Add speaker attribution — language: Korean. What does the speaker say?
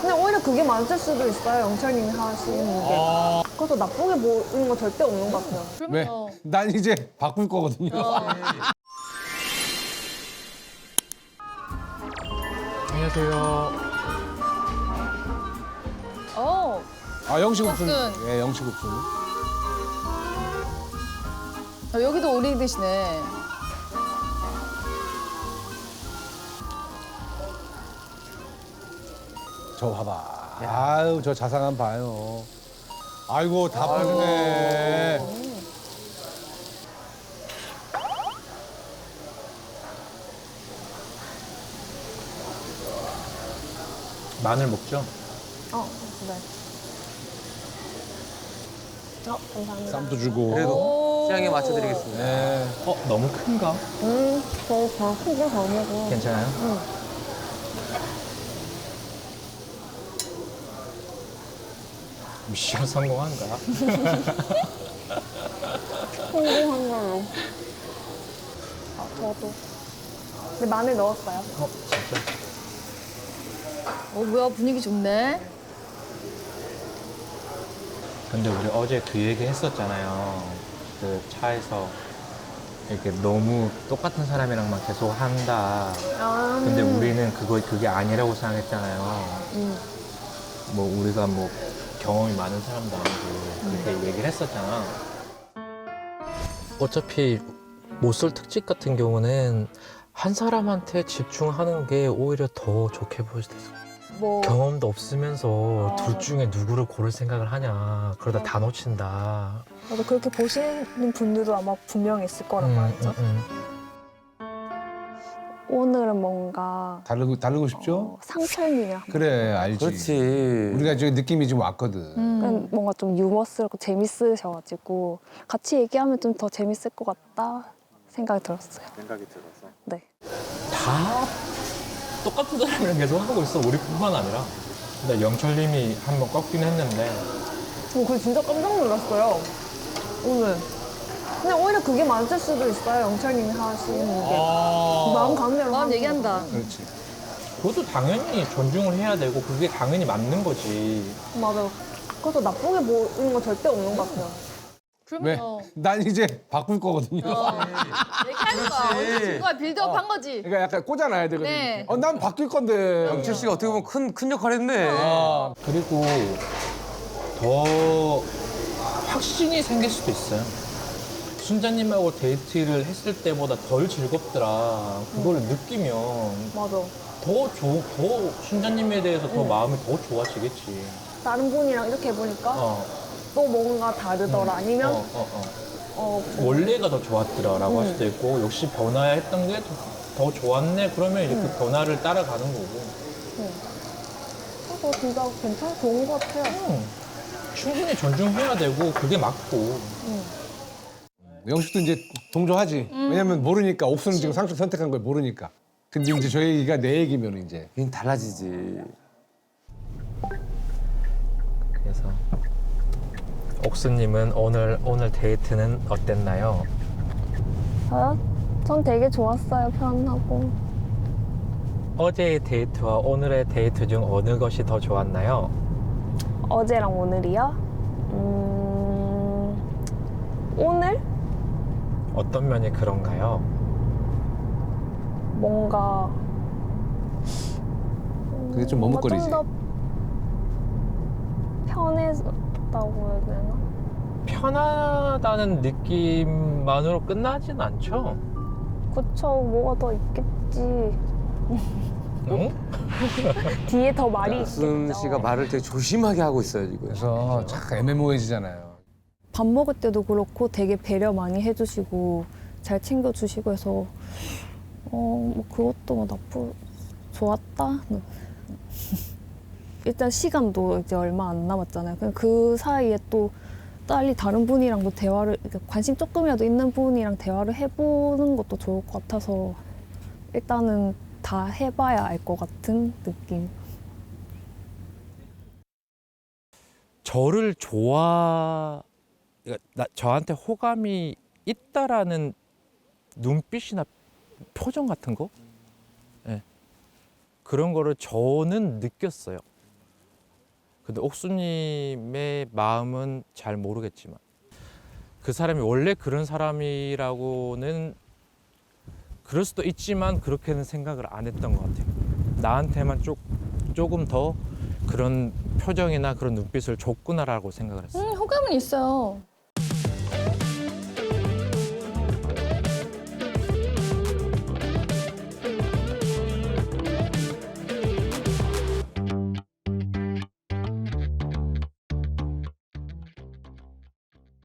Speaker 1: 근데 오히려 그게 맞을 수도 있어요. 영철님이 하시는 게. 그래서 나쁘게 보이는 거 절대 없는 것 같아요.
Speaker 2: 왜? 난 이제 바꿀 거거든요.
Speaker 3: 안녕하세요.
Speaker 2: 아, 영식국수.
Speaker 4: 국순.
Speaker 2: 예, 영식국수.
Speaker 4: 여기도 오리 드시네.
Speaker 2: 저 봐봐. 아유, 저 자상한 봐요. 아이고, 다 빠지네.
Speaker 3: 마늘 먹죠?
Speaker 1: 네. 감사합니다.
Speaker 2: 쌈도 주고.
Speaker 5: 그래도 취향에 맞춰드리겠습니다.
Speaker 2: 네.
Speaker 3: 너무 큰가?
Speaker 1: 저희 다 크게 잘 먹어.
Speaker 3: 괜찮아요? 미션 성공한가?
Speaker 1: 성공한 걸로. 저도. 근데 마늘 넣었어요.
Speaker 3: 진짜?
Speaker 4: 뭐야 분위기 좋네.
Speaker 3: 근데 우리 어제 그 얘기 했었잖아요. 그 차에서 이렇게 너무 똑같은 사람이랑만 계속 한다. 근데 우리는 그게 아니라고 생각했잖아요. 뭐 우리가 뭐 경험이 많은 사람도 아니고 그렇게 얘기를 했었잖아. 어차피 모쏠 특집 같은 경우는 한 사람한테 집중하는 게 오히려 더 좋게 보일 수도 있어.
Speaker 1: 뭐
Speaker 3: 경험도 없으면서 둘 중에 누구를 고를 생각을 하냐. 그러다 다 놓친다.
Speaker 1: 맞아, 그렇게 보시는 분들도 아마 분명히 있을 거란 말이죠. 오늘은 뭔가
Speaker 2: 다르고 싶죠?
Speaker 1: 상철님이랑
Speaker 2: 그래, 알지.
Speaker 5: 그렇지.
Speaker 2: 우리가 저기 느낌이 좀 왔거든.
Speaker 1: 뭔가 좀 유머스럽고 재밌으셔가지고 같이 얘기하면 좀 더 재밌을 것 같다 생각이 들었어요.
Speaker 5: 생각이 들어서.
Speaker 1: 네.
Speaker 3: 다 똑같은 사람이랑 계속 하고 있어. 우리뿐만 아니라. 근데 영철님이 한번 꺾긴 했는데
Speaker 1: 그거 진짜 깜짝 놀랐어요. 오늘. 근데 오히려 그게 맞을 수도 있어요. 영철님이 하시는 게. 마음 가는 대로
Speaker 4: 마음
Speaker 1: 하는
Speaker 4: 얘기한다.
Speaker 2: 그렇지.
Speaker 3: 그것도 당연히 존중을 해야 되고 그게 당연히 맞는 거지.
Speaker 1: 거. 맞아. 그래서 나쁘게 보이는 거 절대 없는 것 같아요.
Speaker 2: 왜? 난 이제 바꿀 거거든요.
Speaker 4: 얘기하는 거야. 어느 친구가 빌드업 한 거지.
Speaker 2: 그러니까 약간 꽂아놔야 되거든요.
Speaker 4: 네.
Speaker 2: 난 바뀔 건데.
Speaker 5: 영철 씨가 어떻게 보면 큰 역할 했네.
Speaker 3: 그리고 더 확신이 생길 수도 있어요. 순자님하고 데이트를 했을 때보다 덜 즐겁더라. 그걸 느끼면
Speaker 1: 맞아.
Speaker 3: 더 순자님에 대해서 더 마음이 더 좋아지겠지.
Speaker 1: 다른 분이랑 이렇게 해보니까
Speaker 3: 어.
Speaker 1: 또 뭔가 다르더라. 아니면
Speaker 3: 원래가 더 좋았더라라고 할 수도 있고 역시 변화했던 게 더 좋았네. 그러면 이제 그 변화를 따라가는 거고.
Speaker 1: 그래서 진짜 괜찮아 좋은 것 같아요.
Speaker 3: 충분히 존중해야 되고 그게 맞고.
Speaker 2: 영식도 이제 동조하지. 왜냐면 모르니까 옥수는 지금 상추 선택한 걸 모르니까. 근데 이제 저 얘기가 내 얘기면 이제.
Speaker 5: 그냥 달라지지.
Speaker 3: 그래서 옥수님은 오늘 데이트는 어땠나요?
Speaker 1: 저요? 전 되게 좋았어요. 편하고.
Speaker 3: 어제의 데이트와 오늘의 데이트 중 어느 것이 더 좋았나요?
Speaker 1: 어제랑 오늘이요? 오늘?
Speaker 3: 어떤 면이 그런가요?
Speaker 1: 뭔가
Speaker 2: 그게 좀 머뭇거리지.
Speaker 1: 좀더 편해졌다고 해야 되나?
Speaker 3: 편하다는 느낌만으로 끝나진 않죠?
Speaker 1: 그쵸, 뭐가 더 있겠지.
Speaker 3: 응?
Speaker 1: 뒤에 더 말이
Speaker 5: 옥순
Speaker 1: 있겠죠.
Speaker 5: 씨가 말을 되게 조심하게 하고 있어요, 지금.
Speaker 2: 그래서 참 애매모호해지잖아요.
Speaker 1: 밥 먹을 때도 그렇고 되게 배려 많이 해주시고 잘 챙겨주시고 해서 뭐 그것도 뭐 좋았다. 일단 시간도 이제 얼마 안 남았잖아요. 그냥 그 사이에 또 빨리 다른 분이랑도 대화를 관심 조금이라도 있는 분이랑 대화를 해보는 것도 좋을 것 같아서 일단은 다 해봐야 알 것 같은 느낌.
Speaker 3: 저를 저한테 호감이 있다라는 눈빛이나 표정 같은 거? 예. 그런 거를 저는 느꼈어요. 근데 옥수님의 마음은 잘 모르겠지만 그 사람이 원래 그런 사람이라고는 그럴 수도 있지만 그렇게는 생각을 안 했던 것 같아요. 나한테만 조금 더 그런 표정이나 그런 눈빛을 줬구나라고 생각을 했어요.
Speaker 4: 호감은 있어요.